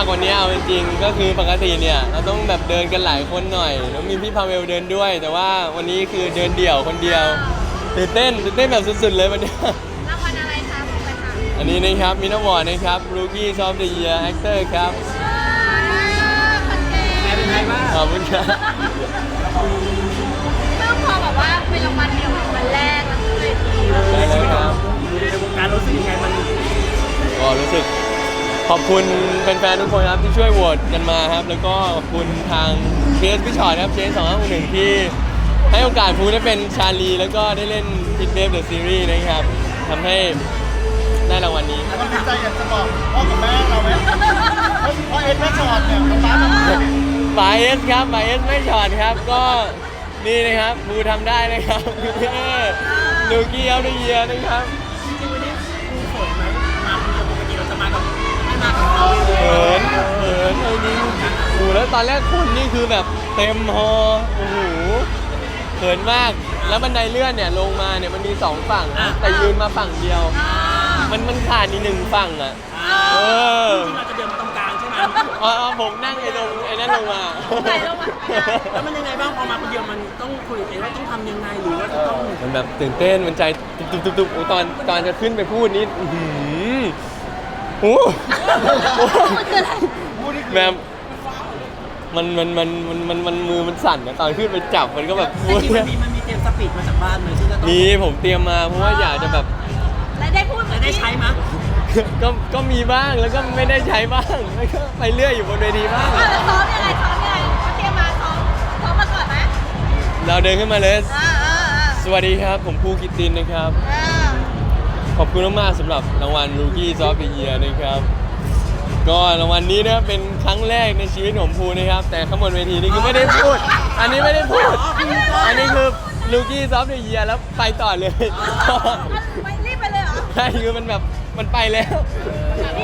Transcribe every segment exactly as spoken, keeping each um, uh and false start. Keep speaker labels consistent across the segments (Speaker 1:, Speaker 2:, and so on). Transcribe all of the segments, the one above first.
Speaker 1: ากกว่านี้เอาจริงๆก็คือปกติเนี่ยเราต้องแบบเดินกันหลายคนหน่อยแล้วมีพี่พาเวลเดินด้วย แต่ว่าวันนี้คือเดินเดี่ยวคนเดียวตื่นเต้นตื่นเต้นแบบสุดๆเลยวันนี้
Speaker 2: รางวัลอะไรคะบอกไปค่ะ
Speaker 1: อันนี้นะครับมินาวอร์ดนะครับ Rookie of the Year Actor ครับ
Speaker 2: คนเก่ง
Speaker 3: เป็นไงบ้าง
Speaker 1: ขอบคุณครับ
Speaker 2: เพิ่งพอแบบว่าเป็นรางวัลเดี่ยววันแรกแล้วก็เลยที
Speaker 1: ได้เลยครับ
Speaker 3: อยู่ในวงการรู้สึกยังไงมัน
Speaker 1: ก็รู้สึกขอบคุณแฟนๆทุกคนครับที่ช่วยโหวตกันมาครับ แล้วก็ขอบคุณทางเชสพี่ชอตครับเชสสองห้าหนึ่งที่ให้โอกาสฟูได้เป็นชาลีแล้วก็ได้เล่นพิทเบฟเดอะซีรีส์นะครับทำให้ได้รางวัลนี้
Speaker 4: แล้วก็ดีใจอยากจะบอกพ่อกับแม่เราไหมพ่อเอ็ดแม่ชอดเนี่ยป๊าป๊าทำได้
Speaker 1: บายเอสครับบายเอสไม่ช็อตครับก็นี่นะครับฟูทำได้นะครับลูกี้เอาได้เยียนะครับ
Speaker 3: จริงๆวันนี้ครูเขินไหมมาคนเดียวปกติเราจะมากับไม่มากับเราเลย
Speaker 1: เขินเขินเอาจริงโอ้โหแล้วตอนแรกคนนี่คือแบบเต็มฮอโอ้โหเขินมากแล้วบันไดเลื่อนเนี่ยลงมาเนี่ยมันมีสองฝั่งนะแต่ยืนมาฝั่งเดียว มันมันขาดอีกหนึ่งฝั่งอ่ะเออ
Speaker 3: จริงๆเราจะเดินมาตรงกลางใช่ไหม
Speaker 1: อ๋อผมนั่งไอ้ตรงไอ้นั่นลงมา
Speaker 2: ไหนลงมา
Speaker 3: แล้วมันยังไงบ้างพอมาคนเดียวมันต้องคุยกับเองว่าต้องทำยังไงหรือว่าจะต้อง
Speaker 1: มันแบบตื่นเต้นมันใจตุบตุบตุบโอ้ตอนตอนจะขึ้นไปพูดนี่อื้อหือโอ้โหแบบมันมันมันมันมันมันมือมันสั่นนะตอนขึ้นไปจับมันก็แบบ
Speaker 3: แต่จริงๆมันมีมันมีเตรียมสปีดมาจากบ้านไหมที่จะต้อง
Speaker 1: มีผมเตรียมมาเพราะว่าอยากจะแบบ
Speaker 2: แล้วได้พูดเหมื
Speaker 3: จะ
Speaker 2: อน
Speaker 3: ได้
Speaker 2: ที่
Speaker 3: ใช้ไหมย
Speaker 1: ก็ก็มีบ้างแล้วก็ไม่ได้ใช้บ้างแล้วก็ไปเรื่อยอยู่บนเวทีบ้าง
Speaker 2: อ่ะแล้วซ้อมยังไงซ้อมยังไงเขาเตรียมมาซ้อมซ้อมมาก่อนไหม
Speaker 1: เราเดินขึ้นมาเลย
Speaker 2: อ่าอ่าอ่า
Speaker 1: สวัสดีครับผมภูกิตตินนะครับ
Speaker 2: อ่า
Speaker 1: ขอบคุณมากๆสำหรับรางวัล Rookie of the Year นะครับ ก็รางวัลนี้นะเป็นครั้งแรกในชีวิตของภูนะครับ แต่ข้างบนเวทีนี่คือไม่ได้พูด อันนี้ไม่ได้พูด อันนี้คือ Rookie of the Year แล้วไปต่อเลย
Speaker 2: ไม่รีบไปเลยเหรอ
Speaker 1: ใช่คือมันแบบมันไปแล้ว
Speaker 2: นี่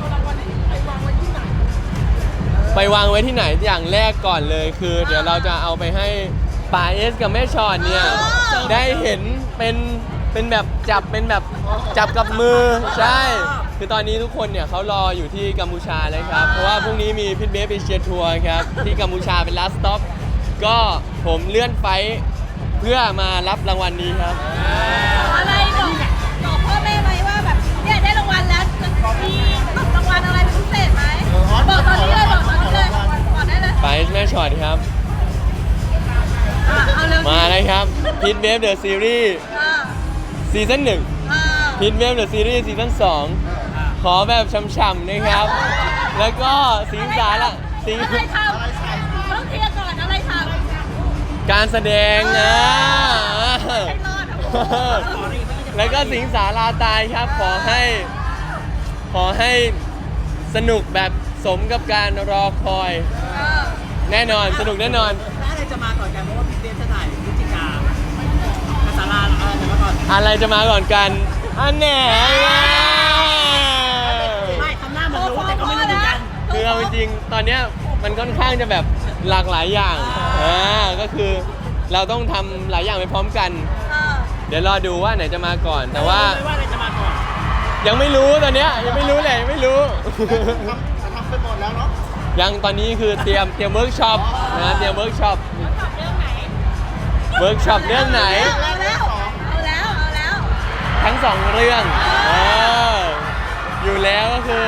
Speaker 1: ไปวางไว้ที่ไหนอย่างแรกก่อนเลยคือ เดี๋ยวเราจะเอาไปให้ป๋าเอสกับแม่ชอนเนี่ยได้เห็นเป็นเป็นแบบจับเป็นแบบจับกับมือใช่ คือตอนนี้ทุกคนเนี่ยเขารออยู่ที่กัมพูชาเลยครับ เพราะว่าพรุ่งนี้มีพิทเบฟเอเชียทัวร์ครับที่กัมพูชาเป็นลาสต์สต็อปก็ผมเลื่อนไฟล์เพื่อมารับรางวัลนี้ครับ
Speaker 2: อะไรบอกบอกพ่อแม่ไหมว่าแบบเนี่ยได้รางวัลแล้วจะมีรางวัลอะไรเป็นพิเศษไหมบอกตอนนี้เลยบอกตอนนี้เลยบอกได้เลย
Speaker 1: ป๋าเอสแม่ชอนครับ
Speaker 2: อ่ะเอาเร็ว
Speaker 1: มาเลยครับพิทเบฟเดอะซีรีส์
Speaker 2: อ่า
Speaker 1: ซีซั่นหนึ่ง
Speaker 2: อ่า
Speaker 1: พิทเวฟเดอะซีรีส์ซีซั่นสองขอแบบช่ำๆนะครับ แล้วก็สิงสาระสิง
Speaker 2: อะไรทำต้องเคลียร์ก่อนอะไรทำ
Speaker 1: การแสดงนะ
Speaker 2: ให้รอดอ่ะ
Speaker 1: แล้วก็สิงสาราตายครับ ขอให้ ขอให้สนุกแบบสมกับการรอคอย
Speaker 2: เออ
Speaker 1: แน่นอนสนุกแน่นอน
Speaker 3: แล้วอะไรจะมาก่อนกันเพราะว่าพี่เตจะถ่ายพฤศจิกาภาษาลาอะไรจะมาก่อน
Speaker 1: อะไรจะมาก่อนกัน อันแหน่
Speaker 3: ไม่ทำหน้าเหมือนรู้แต่ก็ไม่รู้เหมือนกัน
Speaker 1: คือเอาจริงๆตอนเนี้ยมันค่อนข้างจะแบบหลากหลายอย่างอ่าก็คือเราต้องทำหลายอย่างไปพร้อมกัน
Speaker 2: เออ
Speaker 1: เดี๋ยวรอดูว่าไหนจะมาก่อน แต่ว่า
Speaker 3: ไม่ว่าอะไรจะมาก่อน
Speaker 1: ยังไม่รู้ตอนเนี้ยยังไม่รู้เลยยังไม่รู้
Speaker 4: ทำทำไปหมดแล้วเนาะ
Speaker 1: ยังตอนนี้คือเตรียมเตรียมเวิร์กช็อปนะเตรียมเวิร์กช็อป
Speaker 2: ขับเรื่องไหน
Speaker 1: เวิร์กช็อปเรื่องไหน
Speaker 2: เอาแล้วเอาแล้วเอาแล้ว
Speaker 1: ทั้งสองเรื่องเอออยู่แล้วก็คือ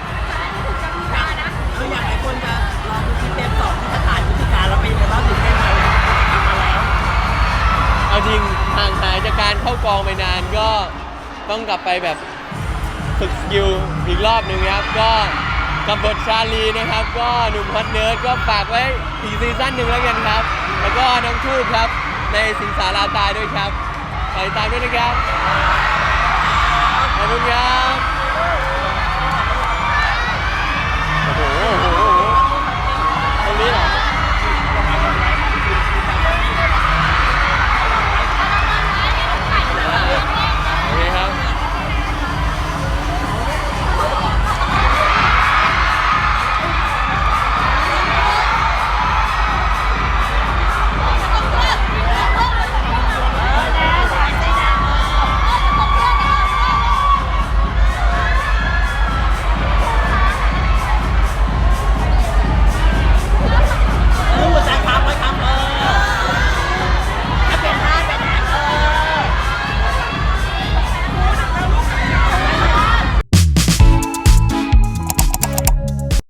Speaker 3: คืออยากให้คนจะรอดูคลิปเทปสองที่จะถ่ายพฤศจิกาแล้วเป็นยังไงบ้างถึงได้มาทำมาแล้ว
Speaker 1: เอาจริงห่างหายจากการเข้ากองไปนานก็ต้องกลับไปแบบฝึกสกิลอีกรอบหนึ่งครับก็กับบทชาลีนะครับ ก็หนุ่มฮอตเนิร์ดก็ฝากไว้อีกซีซั่นหนึ่งแล้วกันครับ แล้วก็น้องทูบครับในสิงสาราตายด้วยครับไปตามด้วยนะครับ